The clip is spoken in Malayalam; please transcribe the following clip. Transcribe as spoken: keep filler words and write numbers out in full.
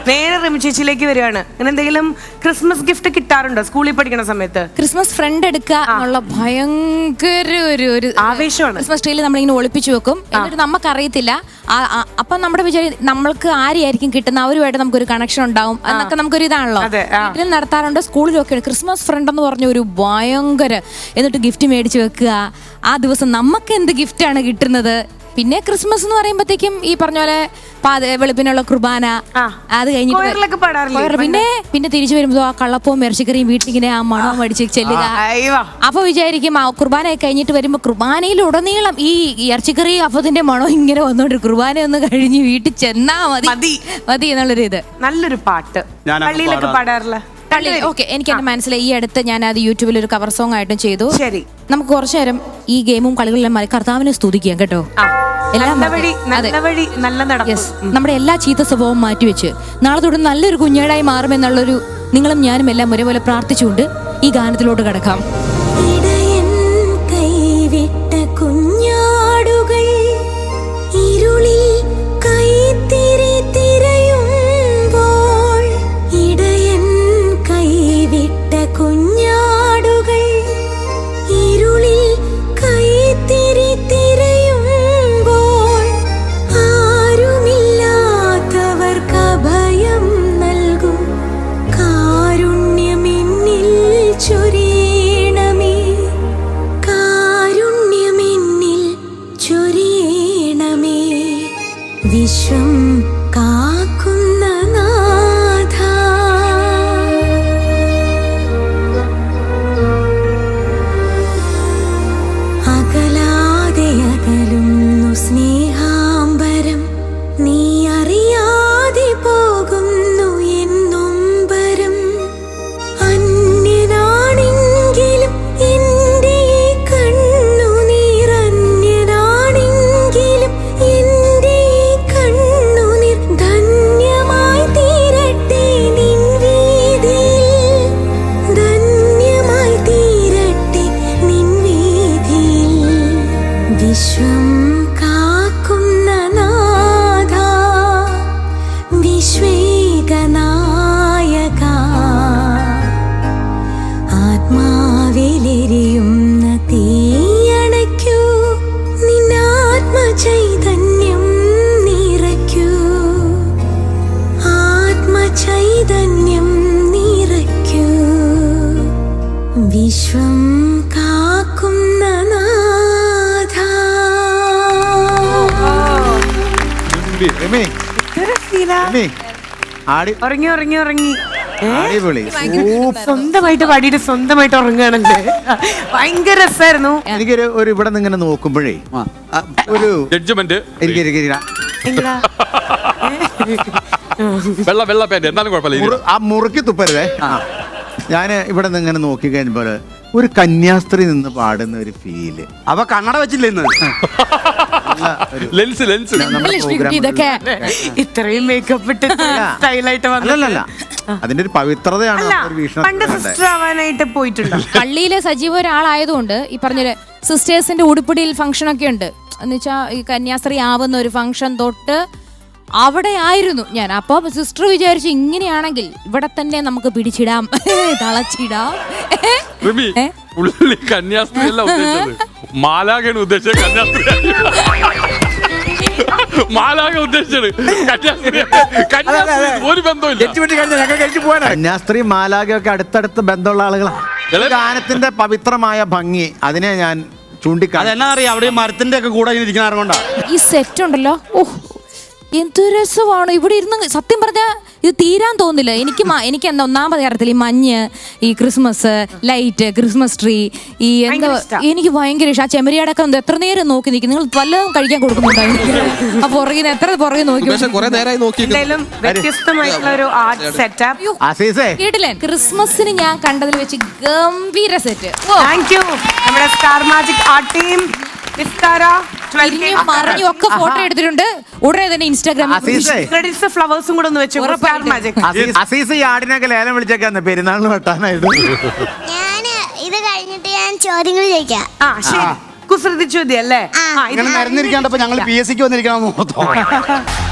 നേരെ റിമി ചേച്ചിയിലേക്ക് വരികയാണ്. അങ്ങനെ എന്തെങ്കിലും ക്രിസ്മസ് ഗിഫ്റ്റ് കിട്ടാറുണ്ടോ സ്കൂളിൽ പഠിക്കുന്ന സമയത്ത്? ക്രിസ്മസ് ഫ്രണ്ട് എടുക്കുക എന്നുള്ള ഭയങ്കര ഒരു ഒരു ആവേശമാണ്. ക്രിസ്മസ് ട്രീയിൽ നമ്മളിങ്ങനെ ഒളിപ്പിച്ചു വെക്കും. എന്നിട്ട് നമുക്കറിയത്തില്ല. അപ്പം നമ്മുടെ വിചാരം നമ്മൾക്ക് ആരെയായിരിക്കും കിട്ടുന്ന അവരുമായിട്ട് നമുക്കൊരു കണക്ഷൻ ഉണ്ടാവും എന്നൊക്കെ നമുക്കൊരു ഇതാണല്ലോ. വീട്ടിലും നടത്താറുണ്ട്, സ്കൂളിലൊക്കെ. ക്രിസ്മസ് ഫ്രണ്ട് എന്ന് പറഞ്ഞ ഒരു ഭയങ്കര, എന്നിട്ട് ഗിഫ്റ്റ് മേടിച്ച് വെക്കുക. ആ ദിവസം നമുക്ക് എന്ത് ഗിഫ്റ്റാണ് കിട്ടുന്നത്? പിന്നെ ക്രിസ്മസ് എന്ന് പറയുമ്പോഴത്തേക്കും ഈ പറഞ്ഞ പോലെ വെളുപ്പിനുള്ള കുർബാന, അത് കഴിഞ്ഞിട്ട് പിന്നെ പിന്നെ തിരിച്ചു വരുമ്പോ ആ കള്ളപ്പവും ഇറച്ചിക്കറിയും വീട്ടിലിങ്ങനെ ആ മണവും അടിച്ച് ചെല്ലുക. അപ്പൊ വിചാരിക്കും ആ കുർബാന കഴിഞ്ഞിട്ട് വരുമ്പോ കുർബാനയിൽ ഉടനീളം ഈ ഇറച്ചിക്കറി അപ്പത്തിന്റെ മണം ഇങ്ങനെ വന്നോണ്ട് കുർബാന ഒന്ന് കഴിഞ്ഞ് വീട്ടിൽ ചെന്നാ മതി മതി എന്നുള്ളൊരു ഇത്. നല്ലൊരു പാട്ട് പള്ളിയിലൊക്കെ പാടാറില്ല. ഓക്കെ, എനിക്ക് എന്റെ മനസ്സിലായി. ഈ അടുത്ത് ഞാൻ അത് യൂട്യൂബിൽ ഒരു കവർ സോങ് ആയിട്ടും ചെയ്തു. ശരി, നമുക്ക് കുറച്ചു നേരം ഈ ഗെയിമും കളികളിലും കർത്താവിനെ സ്തുതിക്കാം കേട്ടോ. നമ്മുടെ എല്ലാ ചീത്ത സ്വഭാവവും മാറ്റിവെച്ച് നാളെ തൊട്ട് നല്ലൊരു കുഞ്ഞേടായി മാറുമെന്നുള്ളൊരു നിങ്ങളും ഞാനും എല്ലാം ഒരേപോലെ പ്രാർത്ഥിച്ചുകൊണ്ട് ഈ ഗാനത്തിലോട്ട് കടക്കാം. വിശ്വം കാക്കുന്ന നാഥ, അകലാതെ അകലുന്നു സ്നേഹാംബരം, നീ അറിയാതെ പോകുന്നു എന്നൊമ്പരം. അന്യനാണെങ്കിലും എന്റെ കണ്ണുനീർ, അന്യനാണെങ്കിലും എന്റെ കണ്ണുനീർ ധന്യമായി തീരട്ടെ നിൻ വീതിയിൽ, ധന്യമായി തീരട്ടെ നിൻ വീതിയിൽ. വിശ്വം കാക്കുന്ന നാഥ, വിശ്വേകനായക, ആത്മാവിലെരിയുന്ന തീയണയ്ക്കൂ, നിന്നാത്മചൈതന്യം നിറയ്ക്കൂ, ആത്മചൈതന്യം നിറയ്ക്കൂ. വിശ്വം കാക്കുന്ന നാഥ. ഉറങ്ങി ഉറങ്ങി ഉറങ്ങി സ്വന്തമായിട്ട് പാടിയിട്ട് സ്വന്തമായിട്ട് ഉറങ്ങുകയാണല്ലേ. ഭയങ്കര രസമായിരുന്നു. എനിക്കൊരു ഒരു ഇവിടെ നിന്ന് ഇങ്ങനെ നോക്കുമ്പോഴേ ഒരു ജഡ്ജ്മെന്റ് ആ മുറുക്കി തുപ്പരുതേ. ഞാൻ ഇവിടെ നിന്ന് ഇങ്ങനെ നോക്കി കഴിഞ്ഞപ്പോൾ ഒരു കന്യാസ്ത്രീ നിന്ന് പാടുന്ന ഒരു ഫീല്. അവ കണ്ണട വെച്ചില്ല ഇന്ന്. ലെൻസ് ലെൻസ് ഇതൊക്കെ ഇത്രയും മേക്കപ്പ് ഇട്ട് സ്റ്റൈലായിട്ട് വന്നല്ല, അതിന്റെ ഒരു പവിത്രതയാണ് ആവാനായിട്ട് പോയിട്ടുണ്ട്. പള്ളിയിലെ സജീവ ഒരാളായതുകൊണ്ട് ഈ പറഞ്ഞ സിസ്റ്റേഴ്സിന്റെ ഉടുപ്പിടിയിൽ ഫംഗ്ഷൻ ഒക്കെ ഉണ്ട്. എന്ന് വെച്ചാൽ ഈ കന്യാസ്ത്രീ ആവുന്ന ഒരു ഫംഗ്ഷൻ തൊട്ട് അവിടെ ആയിരുന്നു ഞാൻ. അപ്പൊ സിസ്റ്റർ വിചാരിച്ചു ഇങ്ങനെയാണെങ്കിൽ ഇവിടെ തന്നെ നമുക്ക് പിടിച്ചിടാം, തളച്ചിടാം. കന്യാസ്ത്രീ അല്ല ഉദ്ദേശിച്ചത്, മാലാഖയാണ് ഉദ്ദേശിച്ചത്. കന്യാസ്ത്രീ മാലാഖ ഉദ്ദേശിച്ചത് ഒരു ബന്ധമില്ല. കന്യാസ്ത്രീ മാലാഖയൊക്കെ അടുത്തടുത്ത് ബന്ധമുള്ള ആളുകളാണ്. ഗാനത്തിന്റെ പവിത്രമായ ഭംഗി അതിനെ ഞാൻ ചൂണ്ടിക്കാണാം. അതെന്നാ അറിയാം, അവിടെ മരത്തിന്റെ ഒക്കെ കൂടെ ഇരിക്കുന്ന ആരുകൊണ്ടാ ഈ സെറ്റ് ഉണ്ടല്ലോ. ഓഹ്, എന്ത് രസമാണ് ഇവിടെ ഇരുന്ന്. സത്യം പറഞ്ഞാൽ ഇത് തീരാൻ തോന്നില്ല എനിക്ക്. എനിക്ക് എന്താ ഒന്നാമത് കാര്യത്തിൽ ഈ മഞ്ഞ്, ഈ ക്രിസ്മസ് ലൈറ്റ്, ക്രിസ്മസ് ട്രീ, ഈ എന്താ എനിക്ക് ഭയങ്കര ഇഷ്ടം. ആ ചെമ്മരിയാടൊക്കെ എത്ര നേരം നോക്കി നിൽക്കും. നിങ്ങൾ വല്ലതും കഴിക്കാൻ കൊടുക്കുന്നുണ്ടായിരുന്നു. ആ പുറകിന് എത്ര പുറകെ നോക്കി കേട്ടില്ലേ. ക്രിസ്മസിന് ഞാൻ കണ്ടതിൽ വെച്ച് ഗംഭീര സെറ്റ്. നമ്മുടെ സ്റ്റാർ മാജിക് ആർട്ട് ടീം ഒക്കെ ഫോട്ടോ എടുത്തിട്ടുണ്ട്. ഉടനെ തന്നെ ഇൻസ്റ്റാഗ്രാമിൽ ഫ്ലവേഴ്സും കൂടെ ഒന്ന് വെച്ചു. ആടിനൊക്കെ ലേലം വിളിച്ചേക്കാന്ന് പെരുന്നാളിന് വെട്ടാനായിട്ട്. ഞാന് ഇത് കഴിഞ്ഞിട്ട് ഞാൻ ചോദ്യങ്ങൾ ചോദിക്കാം. ആ ശരി, കുസൃതി ചോദ്യം അല്ലേ? ഇങ്ങനെ നിരന്നിരിക്കാണ്ടപ്പോ ഞങ്ങൾ പി എസ് സിക്ക് വന്നിരിക്കണം.